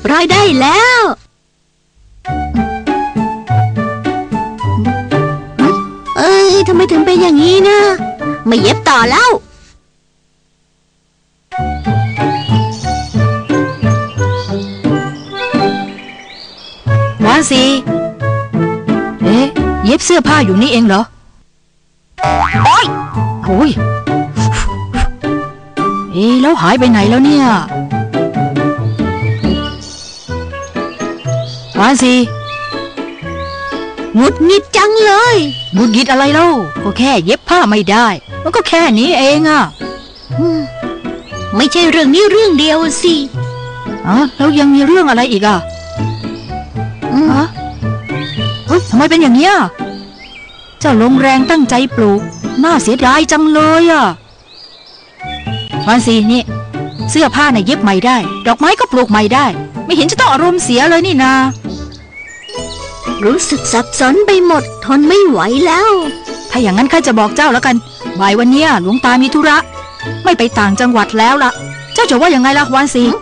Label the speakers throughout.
Speaker 1: ร้อยได้แล้วทำไมถึงเป็นอย่างนี้นะไม่เย็บต่อแล้ว
Speaker 2: วานซีเย็บเสื้อผ้าอยู่นี่เองเหรอโอ้ยแล้วหายไปไหนแล้วเนี่ยวานซี
Speaker 1: หงุดหงิดจังเลย
Speaker 2: หงุดหงิดอะไรเล่าก็แค่เย็บผ้าไม่ได้มันก็แค่นี้เองอ่ะ
Speaker 1: ไม่ใช่เรื่องนี้เรื่องเดียวสิ
Speaker 2: แล้วยังมีเรื่องอะไรอีกอ่ะทำไมเป็นอย่างนี้เจ้าลงแรงตั้งใจปลูกน่าเสียดายจังเลยอ่ะวานซีนี่เสื้อผ้าเย็บใหม่ได้ดอกไม้ก็ปลูกใหม่ได้ไม่เห็นจะต้องอารมณ์เสียเลยนี่นา
Speaker 1: รู้สึกสับสนไปหมดทนไม่ไหวแล้ว
Speaker 2: ถ้าอย่างนั้นข้าจะบอกเจ้าแล้วกันบ่ายวันนี้หลวงตามีธุระไม่ไปต่างจังหวัดแล้วล่ะเจ้าจะว่ายังไงล่ะวานซี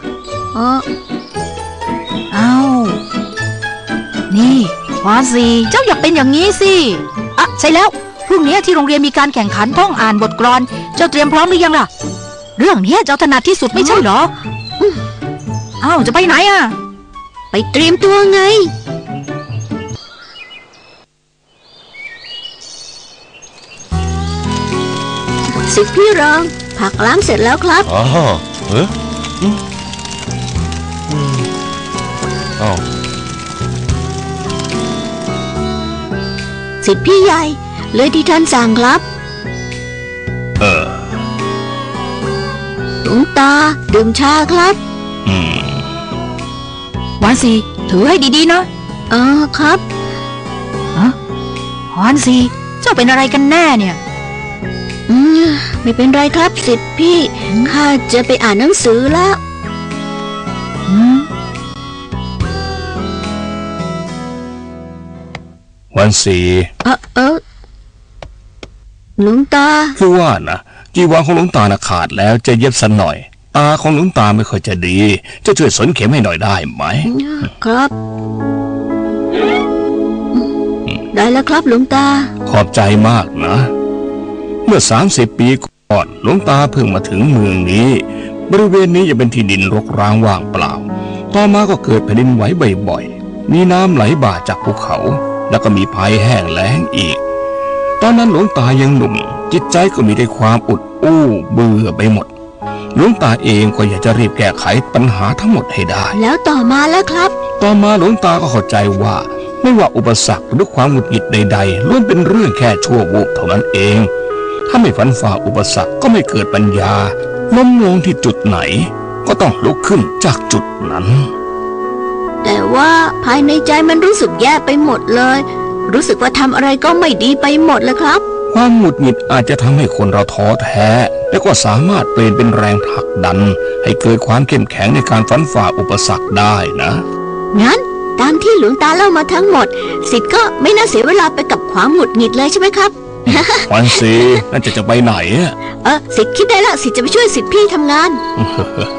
Speaker 2: นี่วานซีเจ้าอย่าเป็นอย่างนี้สิใช่แล้วพรุ่งนี้ที่โรงเรียนมีการแข่งขันท่องอ่านบทกลอนเจ้าเตรียมพร้อมหรือยังล่ะเรื่องนี้เจ้าถนัดที่สุดไม่ใช่เหรอจะไปไหนอ่ะ
Speaker 1: ไปเตรียมตัวไงสิพี่รองผักล้างเสร็จแล้วครับสิพี่ใหญ่เลยที่ท่านสั่งครับหลวงตาดื่มชาครับ
Speaker 2: วานซีถือให้ดีๆ
Speaker 1: นะครับ
Speaker 2: วานซีเจ้าเป็นอะไรกันแน่เนี่ย
Speaker 1: ไม่เป็นไรครับสิทธิ์พี่ข้าจะไปอ่านหนังสือแล้ว
Speaker 3: วันสี
Speaker 1: หลวงตา
Speaker 3: คือว่านะจีวรของหลวงตาขาดแล้วจะเย็บสักหน่อยตาของหลวงตาไม่ค่อยจะดีจะช่วยสนเข็มให้หน่อยได้ไหม
Speaker 1: ครับได้แล้วครับหลวงตา
Speaker 3: ขอบใจมากนะเมื่อ30 ปีก่อนหลวงตาเพิ่งมาถึงเมืองนี้บริเวณนี้จะเป็นที่ดินรกร้างว่างเปล่าต่อมาก็เกิดแผ่นดินไหวบ่อยๆมีน้ำไหลบ่าจากภูเขาแล้วก็มีภัยแห้งแล้งอีกตอนนั้นหลวงตายังหนุ่มจิตใจก็มีแต่ความอุดอู้เบื่อไปหมดหลวงตาเองก็อยากจะรีบแก้ไขปัญหาทั้งหมดให้ได้
Speaker 1: แล้วต่อมาแล้วครับ
Speaker 3: ต่อมาหลวงตาก็เข้าใจว่าไม่ว่าอุปสรรคหรือความหงุดหงิดใดๆล้วนเป็นเรื่องแค่ชั่ววูบเท่านั้นเองถ้าไม่ฟันฝ่าอุปสรรคก็ไม่เกิดปัญญาล้มลงที่จุดไหนก็ต้องลุกขึ้นจากจุดนั้น
Speaker 1: แต่ว่าภายในใจมันรู้สึกแย่ไปหมดเลยรู้สึกว่าทำอะไรก็ไม่ดีไปหมดเลยครับ
Speaker 3: ความหงุดหงิดอาจจะทำให้คนเราท้อแท้และก็สามารถเปลี่ยนเป็นแรงผลักดันให้เกิดความเข้มแข็งในการฟันฝ่าอุปสรรคได้นะ
Speaker 1: งั้นตามที่หลวงตาเล่ามาทั้งหมดสิทธิ์ก็ไม่น่าเสียเวลาไปกับความหงุดหงิดเลยใช่ไหมครับ
Speaker 3: วันสีนั่นจะไปไหน
Speaker 1: สิทธิ์คิดได้ละสิทธิ์จะไปช่วยสิทธิ์พี่ทำงาน